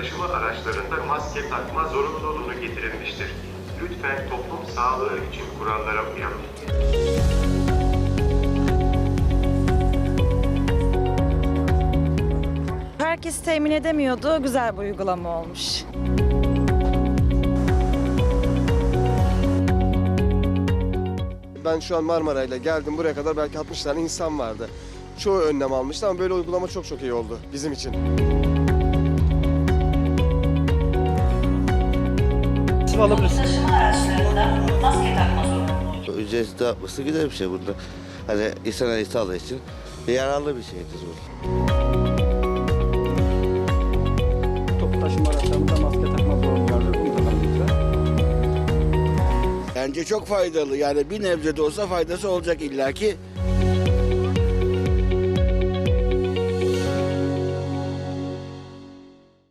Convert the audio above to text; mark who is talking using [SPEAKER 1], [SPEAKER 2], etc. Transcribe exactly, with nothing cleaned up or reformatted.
[SPEAKER 1] taşıma araçlarında maske takma zorunluluğunu getirilmiştir. Lütfen toplum sağlığı için kurallara uyalım.
[SPEAKER 2] Herkes temin edemiyordu. Güzel bir uygulama olmuş.
[SPEAKER 3] Ben şu an Marmaray'la geldim buraya kadar, belki altmış tane insan vardı. Çoğu önlem almıştı ama böyle uygulama çok çok iyi oldu bizim için.
[SPEAKER 4] Taşıma araçlarında maske takma zorunluluğu.
[SPEAKER 5] Ücretsiz dağıtması güzel bir şey burada. Hani insan sağlığı için yararlı bir şeydir bu.
[SPEAKER 6] Toplu taşıma araçlarında maske takma zorunluluğu uygulamakta.
[SPEAKER 7] Bence çok faydalı. Yani bir nebze de olsa faydası olacak illaki.